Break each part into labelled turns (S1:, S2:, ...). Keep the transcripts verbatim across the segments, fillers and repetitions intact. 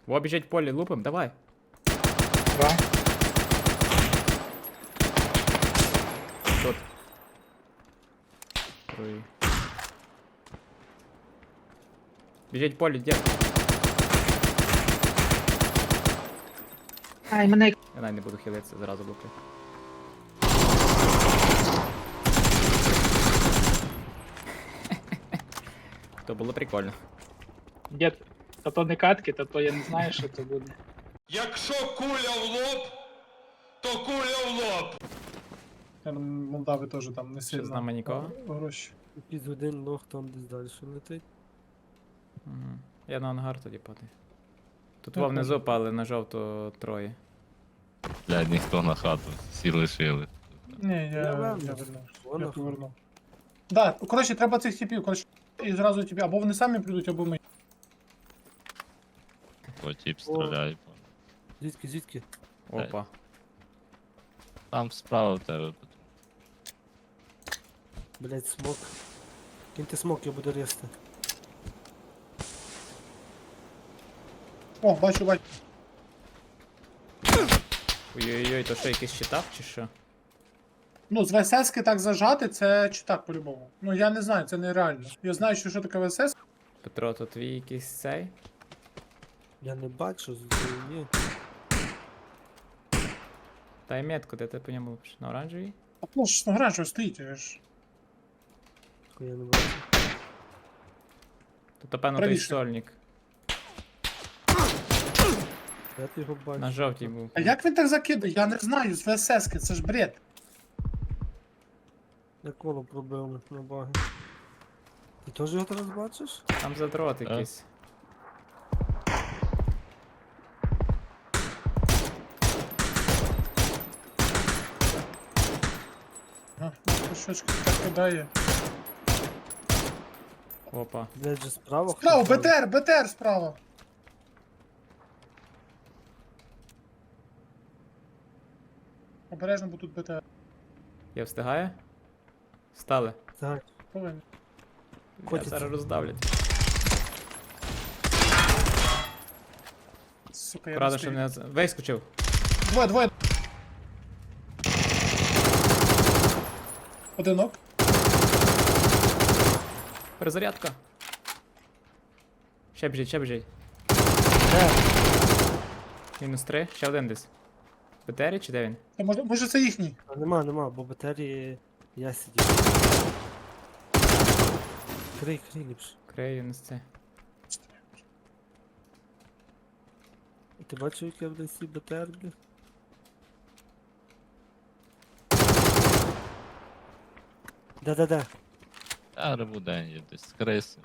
S1: Во, біжить в полі, лупим, давай.
S2: Два.
S1: Тут. Ой. Біжить в полі, дід.
S2: Ай, мене.
S1: Я навіть не буду хилитися, зразу луплю. То було прикольно.
S2: Дід, та то не катки, та то я не знаю, що це буде.
S3: Якщо куля в лоб, то куля в лоб.
S4: Там Молдави теж там не сильно.
S1: з нами нікого?
S4: Гроші.
S5: Якийсь один лох там десь далі летить.
S1: Угу. Я на ангар тоді падаю. Тут
S4: Так,
S1: во внизу
S4: може.
S1: пали на жовто троє.
S6: Блядь, ніхто на хату, всі лишили.
S4: Ні, я,
S5: Я
S4: я,
S5: вернусь.
S4: вернув.
S5: Вона
S4: Я повернув. Да, коротше, треба цих типів, коротше, і зразу тобі, або вони самі прийдуть, або ми.
S6: По тіп стріляє.
S5: Звідки, звідки?
S1: Опа.
S6: Там справа в тебе.
S5: Блять, смок. Киньте смок, я буду різти.
S4: О, бачу, бачу.
S1: Ой-ой-ой, то що, якийсь щитак чи що?
S4: Ну, з ВСС-ки так зажати, це читак по-любому. Ну, я не знаю, це нереально. Я знаю, що, що таке ВСС.
S1: Петро, то твій якийсь цей?
S5: Я не бачу, з ні.
S1: Дай метку, де ти по ньому лупиш? На оранжевій?
S4: А ну ж, ну, гранж стоїть, я ж.
S5: Я не бачу.
S1: Тут, певно, той
S4: Правіше.
S1: сольник.
S5: Я ти його бачу.
S1: На жовтій був.
S4: А як він так закидає? Я не знаю, з ВСС-ки, це ж бред.
S5: Я коло пробив на баги. Ти теж його зараз бачиш?
S1: Там задрот
S6: Так.
S1: якийсь.
S4: А, щочки так кидає.
S1: Опа.
S5: Блять, же справа.
S4: Справа,
S5: хтось
S4: БТР, БТР справа. Обережно, бо тут БТР.
S1: Я встигаю? Встали.
S5: Так,
S4: Повинен.
S1: Я
S5: Котиться.
S1: зараз роздавлять.
S4: Сука, я
S1: Правда,
S4: не
S1: що
S4: встиг.
S1: мене... з- Вискочив.
S4: Двоє, двоє. Одинок.
S1: Перезарядка. Ще біжить, ще біжить.
S5: де?
S1: Мінус три, ще один десь. В БТРі чи де він?
S4: Та може, може це їхній?
S5: А нема, нема, бо батарії я сидів. Крий, крий ліпше.
S1: Крию на це.
S5: І ти бачив, як я в лісі БТР, блядь? Да-да-да.
S6: А рибудень є десь, криси.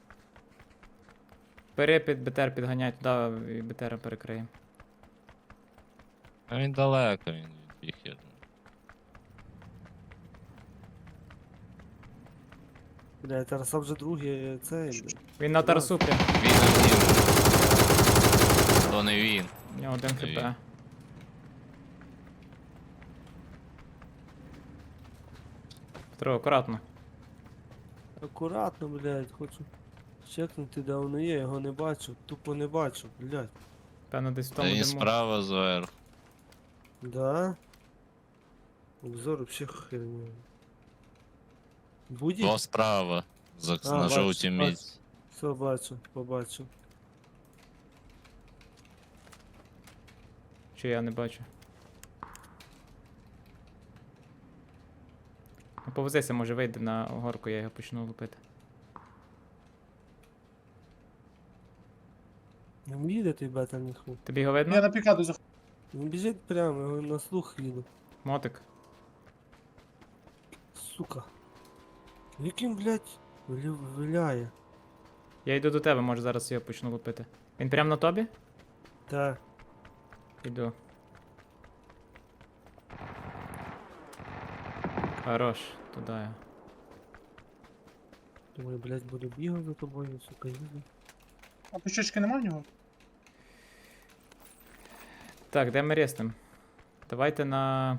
S1: Бери під БТР, підганяй туди і БТР перекриємо.
S6: А він далеко, він відбіг, я думаю.
S5: Бля, Тараса вже другий цей. блядь.
S1: Він на Тарасу прям.
S6: Він один. То не він.
S1: У нього один
S6: Ой.
S1: хп. Петро, акуратно.
S5: Акуратно, блядь, хочу чекнути, де воно є, його не бачу, тупо не бачу, блядь.
S1: Певно, десь в
S6: Та
S1: тому
S6: він
S1: диму.
S6: справа зверху.
S5: Да? Обзор вообще херня. Буде?
S6: То справа. За,
S5: А,
S6: на
S5: бачу,
S6: жовтій
S5: бачу.
S6: місці.
S5: Все бачу, побачу.
S1: Чи я не бачу? Ну, повозися, може вийде на горку, я його почну лупити.
S5: Не їде той бета ніху.
S1: Тобі його
S4: Я
S1: видно?
S4: на пікаду заходжу.
S5: Він біжить прямо, його на слух їду.
S1: Мотик.
S5: Сука. Яким, блядь, вилю- виляє?
S1: Я йду до тебе, може зараз його почну лупити. Він прямо на тобі?
S5: Та.
S1: Іду. Хорош, туди я.
S5: Думаю, блядь, буду бігати за тобою, сука, їду.
S4: А пішечки нема в нього?
S1: Так, де ми реснем? Давайте на...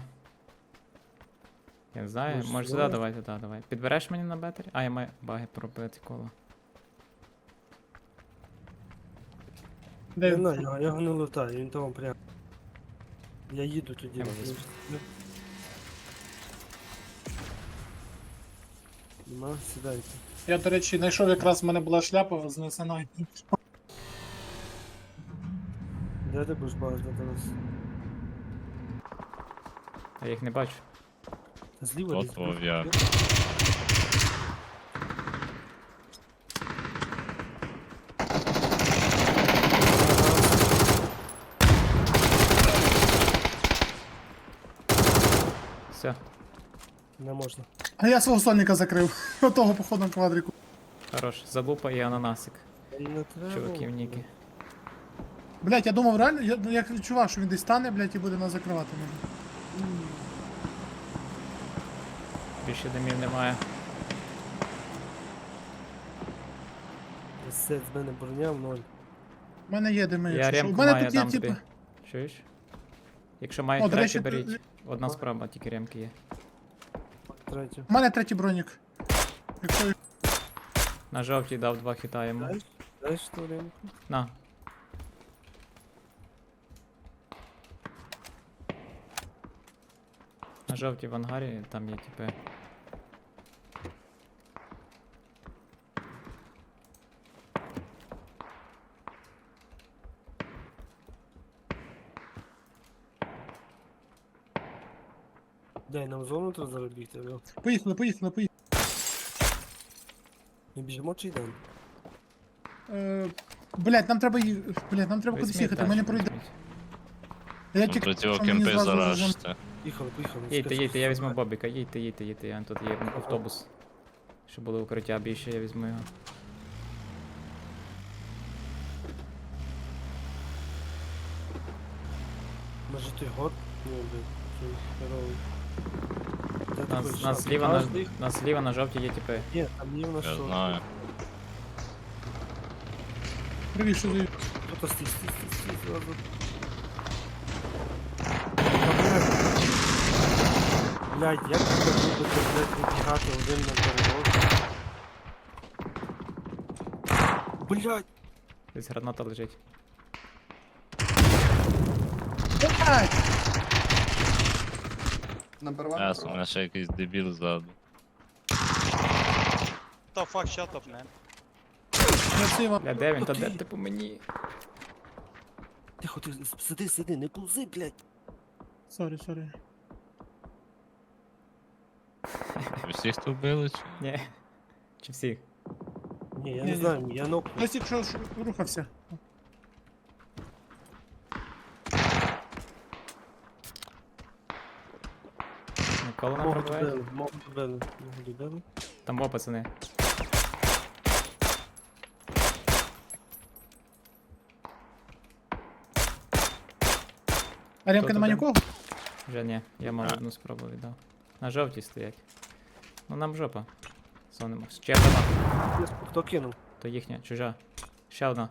S1: Я не знаю,
S5: Може,
S1: може сюди
S5: давай?
S1: давайте, да, давай. Підбереш мені на бетері? А, я маю баги пробити коло.
S4: Де
S5: Не
S4: він?
S5: знаю, я його не лутаю, він там прям. Я їду тоді.
S1: Я візьму.
S5: Нема, сідайте.
S4: Я, до речі, знайшов якраз в мене була шляпа знесена.
S5: Де ти будеш бачити зараз?
S1: Я їх не бачу.
S5: Та зліва
S6: От
S5: десь.
S6: твого я.
S1: Все,
S5: Не можна.
S4: А я свого сольника закрив. Отого походу на квадрику.
S1: хорош. Залупа і ананасик.
S5: Не треба.
S1: Чуваків ніки.
S4: Блять, я думав реально, я, я відчував, що він десь стане, блять, і буде нас закривати. Може.
S1: Більше димів немає.
S5: Сет з мене броня в ноль.
S4: У мене є дими,
S1: Я
S4: якщо що. У
S1: ремку
S4: мене
S1: маю,
S4: тут є,
S1: дам тобі.
S4: типа.
S1: Чуєш? Якщо
S4: О,
S1: мають
S4: до речі,
S1: третю,
S4: ти-
S1: беріть. Одна справа, тільки ремки є.
S5: Третю.
S4: У мене третій бронік. Якщо
S1: На жовтій дав два хіта йому.
S5: Дай, дай що ремку.
S1: На. На жовтій в ангарі там є типи.
S5: Дай нам зону треба заробити, алло.
S4: Поїхали, поїхали, поїхали.
S5: Ми біжимо чи йдемо?
S4: Е, блять, нам треба ї- блять, нам треба кудись
S1: Візьміть
S4: їхати, ми не
S1: тачку,
S4: пройдемо.
S1: візьміть.
S4: Я
S6: Ну,
S4: тільки
S6: До цього
S4: що мені
S6: кемпи
S4: зразу зажим-
S6: заражте.
S5: Їхали, поїхали.
S1: Їдьте,
S5: скажи,
S1: їдьте, я
S5: що
S1: візьму
S5: це.
S1: Бобіка, їдьте, їдьте, їдьте, я тут є автобус. Щоб було укриття більше, я візьму його.
S5: Може ти год? Ну, блядь, цей здоровий. Де такий
S1: Нас,
S5: шаг?
S1: нас, зліва, на,
S5: Каждий?
S1: нас зліва на жовтій є типи.
S5: Ні, там є в нас
S6: Я
S5: що?
S6: знаю.
S4: Привіт, що ти?
S5: Хто-то стій, стій, стій, стій, зразу. Блядь, як ви будете, блядь, вибігати один на перевод? Блядь!
S1: Десь граната лежить.
S4: Блять!
S7: Number one.
S6: Ясно, у мене ще якийсь дебіл ззаду.
S8: The fuck, shut up, man.
S4: Красиво.
S1: Бля, де він? Та де ти по мені?
S5: Тихо, ти сиди, сиди, не повзи, блядь.
S4: Сорі, сорі.
S6: Ви всіх тут вбили чи?
S1: Ні. Чи всіх?
S5: Ні, я
S4: Ні,
S5: не
S4: ні.
S5: знаю, я ног.
S4: Хтось якщо ж рухався.
S1: Ніколи не
S5: Мого
S1: пробиває?
S5: добили, мого добили, мого добили.
S1: Там во, пацани.
S4: А ремка
S1: Хто
S4: нема
S1: туди?
S4: нікого?
S1: Вже ні, я мав
S6: А.
S1: одну спробу віддав. На жовтій стоять. Ну нам жопа. Сонимо. Ще одна.
S5: Хто кинув?
S1: То їхня, чужа. Ще одна.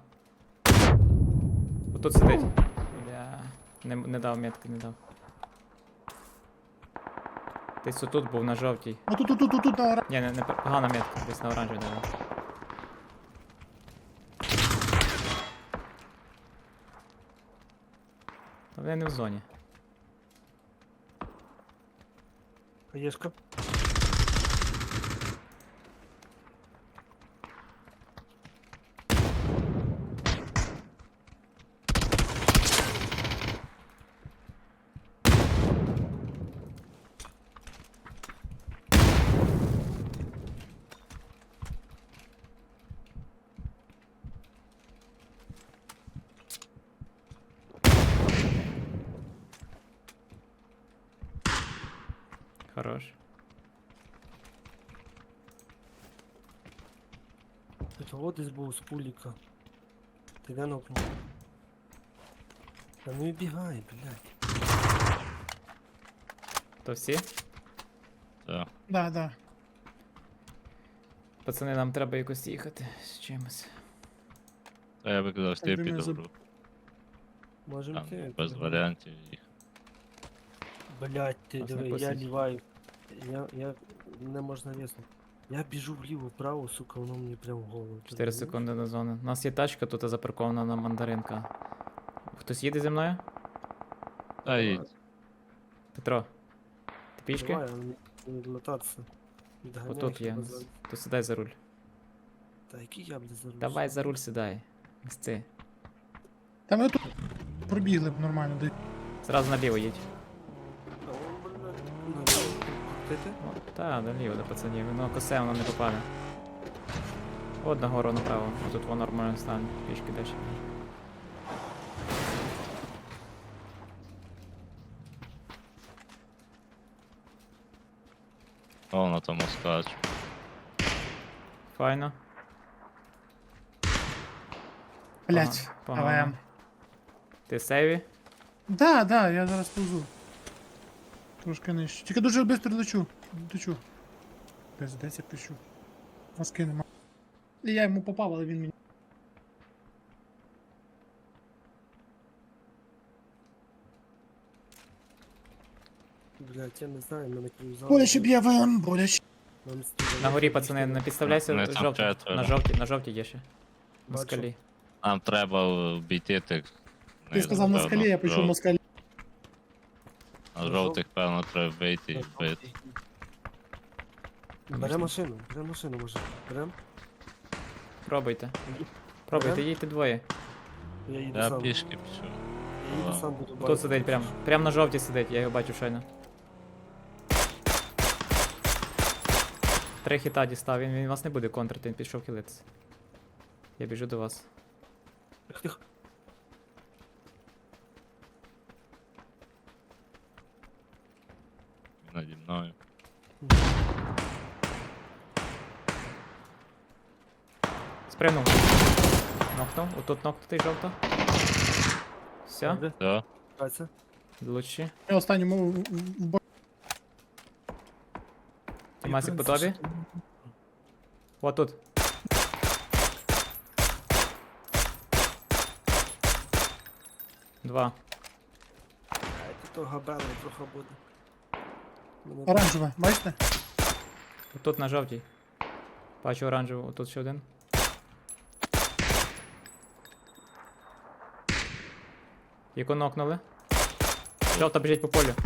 S1: Отут сидить. Бля. Не, не дав метки, не дав. Десь отут був на жовтій.
S4: Ну тут, тут, тут, тут, тут, на ора-
S1: Ні, не, не пер- погана метка, десь на оранжевій дав. Та вони не в зоні.
S5: Хаєшка.
S1: Хорош.
S5: Тут от десь був з пуліка. Ти де нокнув? Та ну і бігай, блядь.
S1: То всі?
S6: Так.
S4: Да, да.
S1: Пацани, нам треба якось їхати з чимось.
S6: Та я би казав, що я
S4: Так, думаю,
S6: піду.
S4: заб-
S6: в руку.
S5: Можемо
S6: Там
S5: ти.
S6: без варіантів їх.
S5: Блядь, ти
S1: Нас не
S5: диви, я
S1: пустять.
S5: ліваю. Я, я, не можна віснути. Я біжу вліво, вправо, сука, воно мені прям в голову. Ти
S1: чотири
S5: розумієш?
S1: секунди до зони. У нас є тачка тут запаркована на мандаринка. Хтось їде зі мною?
S6: Та й
S1: Петро. Ти пішки?
S5: Давай, але не відлетатися. Відганяй
S1: Отут є.
S5: хіба за-
S1: То сідай за руль.
S5: Та який я, блядь, за руль?
S1: Давай за руль сідай. Місці.
S4: Та ми тут пробігли б нормально. де-
S1: Зразу наліво їдь.
S5: Та, о, блядь, наліво. Крутити?
S1: О, та, наліво до пацанів. Воно косе, воно не попаде. От нагору направо. Тут воно нормально стане. Пішки далі.
S6: о, на тому скачу.
S1: Файно.
S4: Блять,
S1: Погано.
S4: АВМ.
S1: Ти сейві?
S4: Да, да, я зараз повзу. Трошки нижче. Тільки дуже швидко лечу. Лечу. Десь, десь я пишу. Маски нема. І я йому попав, але він мені.
S5: Блядь, я не знаю, мене крузали.
S4: Боляче б'є АВМ, боляче.
S5: Нам стріляють,
S1: На горі,
S5: я
S1: пацани,
S5: пішов.
S1: не підставляйся
S6: Не, там
S1: жовті.
S6: четверо.
S1: На жовті, на жовті є ще. На
S5: Бачу.
S1: скалі.
S6: Нам треба обійти тих.
S4: Ти сказав на скалі, я пишу на скалі.
S6: На жовтих, певно, треба вийти і вбити.
S5: Бере машину, бере машину, може. Берем?
S1: Пробуйте. Пробуйте,
S5: Берем?
S1: їдьте двоє.
S5: Я їду
S6: Я
S5: сам.
S6: пішки пішов.
S5: Я їду
S6: Ага.
S5: сам буду
S1: Тут сидить прям. Прям на жовтій сидить, я його бачу щойно. Три хіта дістав, він, він вас не буде контрити, він пішов хилитися. Я біжу до вас.
S5: Тихо, тихо.
S6: Він наді мною.
S1: Спригнув. Нокнув, отут нокнутий жовто. Все,
S5: Добре,
S6: Все,
S5: Катя.
S1: лучші.
S4: Я останньому в, в, в бок.
S1: Тімасик по тобі. О, тут. Два.
S5: Ай, тут того габело трохи буде. Мене
S4: Оранжеве, бачите?
S1: Тут на жовтій. Бачу оранжеву, тут ще один. Яку нокнули. Жовта біжить по полю.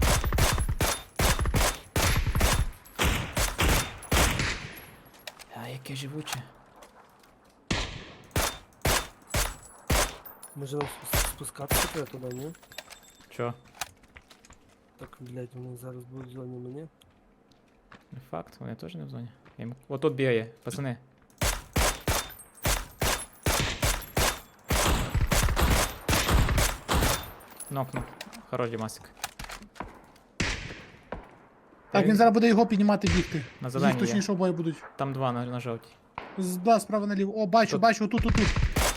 S1: А, яке живуче.
S5: Може нам спус- спускатися треба туди, ні?
S1: Чо?
S5: Так, блядь, вони зараз будуть в зоні мені.
S1: Не факт, вони теж не в зоні. Я їм- О, тут бігає, пацани. Нокнув. Хорош Дімасик.
S4: Так, він зараз буде його піднімати бігти.
S1: На
S4: Їх
S1: зеленій є.
S4: точніше обоє будуть.
S1: Там два на, на жовтій.
S4: З- Да, справа наліво. О, бачу,
S1: Тут.
S4: бачу, отут, отут.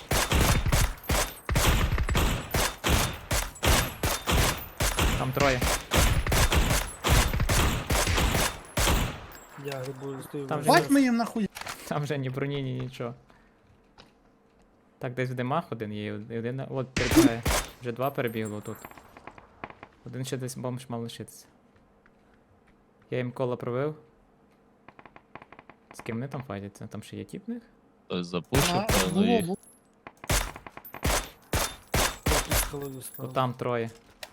S1: Там троє.
S5: Я грибую, стою.
S1: Там
S5: в
S1: же
S4: Бать ми їм нахуй.
S1: Там вже ні броні, ні нічого. Так, десь в димах один є, і один. на- От, перебігає. Вже два перебігло тут. Один ще десь бомж мав лишитися. Я їм коло пробив. З ким вони там файтяться? Там ще є тіп в них?
S6: хтось запушив,
S4: А,
S6: певно,
S4: було,
S6: їх.
S4: було.
S5: Я під скалою
S1: То
S5: став.
S1: там троє.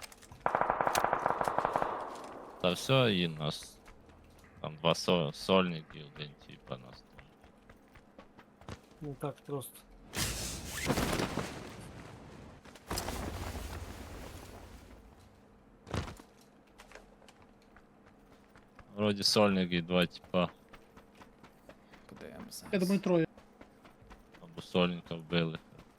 S6: Та все, і нас. Там два со- сольники, один типа нас.
S5: Не так просто.
S6: Вроді сольник і два типа.
S1: Подивимося.
S4: Я думаю, троє.
S6: Або сольника вбили.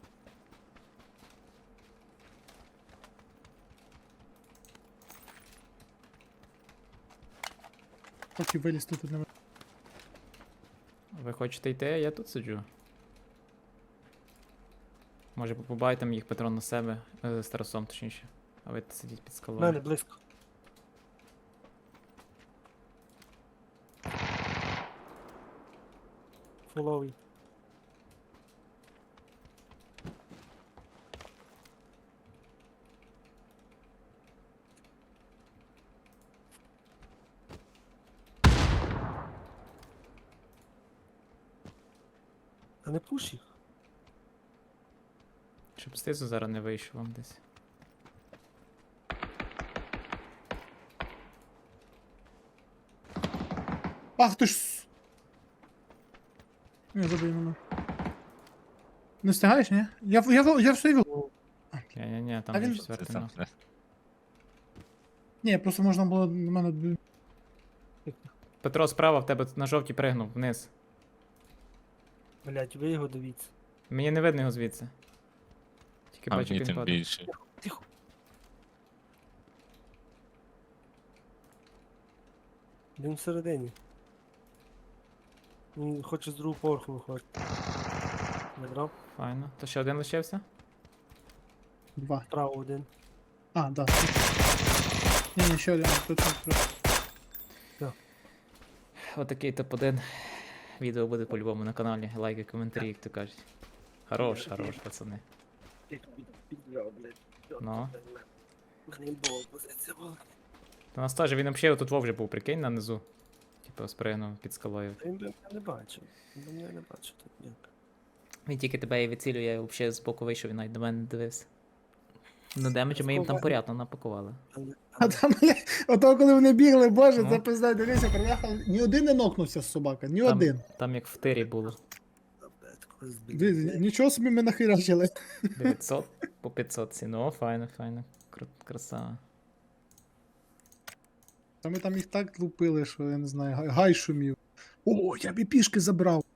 S4: Поки вилізти тут не ви-
S1: Ви хочете йти, а я тут сиджу. Може побайте їх патрон на себе, е, з Тарасом точніше. А ви сидіть під
S5: В
S1: скалою.
S5: мене близько. Фоловий. Та не пуш їх.
S1: Щоб знизу зараз не вийшов вам десь.
S4: Ах ти ж. с- Не, забий мене. Не встигаєш, ні? Я, в- я, в- я все вів.
S1: Ні-ні-ні, там
S4: А
S1: є
S4: він-
S6: Це
S1: четвертий
S6: там
S1: ног.
S6: не-
S4: Ні, просто можна було на мене. д-
S1: Петро, справа в тебе на жовтій пригнув вниз.
S5: Блять, ви його дивіться.
S1: Мені не видно його звідси. Тільки
S6: А
S1: бачу,
S6: мені
S1: як він
S6: тим
S1: падає.
S6: більше.
S5: Тихо. Він всередині. Він хоче з другого поверху виходити. Не брав?
S1: Файно. То ще один лишився?
S4: Два.
S5: Справа один.
S4: А, да. Ні, ні, ще один. Тут, тут, тут.
S1: Отакий топ один. Відео буде по-любому на каналі. Лайки, коментарі, як то кажуть. Хорош, хорош, пацани. Ну.
S5: Грейбол, позиція була.
S1: У нас теж він взагалі тут вовже був, прикинь, нанизу. Типу спригнув під скалою.
S5: Він би мене не бачив. Він би мене не бачив тут ніяк.
S1: Він тільки тебе і відцілює, я взагалі з боку вийшов, він навіть до мене не дивився. Ну, демеджі ми їм там порядно напакували.
S5: Але,
S4: А
S5: але
S4: там, бля, ото коли вони бігли, боже,
S1: Ну.
S4: це пизда, дивися, приїхав. Ні один не нокнувся з собака, ні
S1: Там,
S4: один.
S1: там як в тирі було.
S5: блядь, когось збив.
S4: Дивіться, нічого собі ми нахирачили.
S1: дев'ятсот по п'ятсот ціну. О, файно, файно. Кру- Красава.
S4: Та ми там їх так лупили, що я не знаю, гай- гай шумів. О, я б і пішки забрав.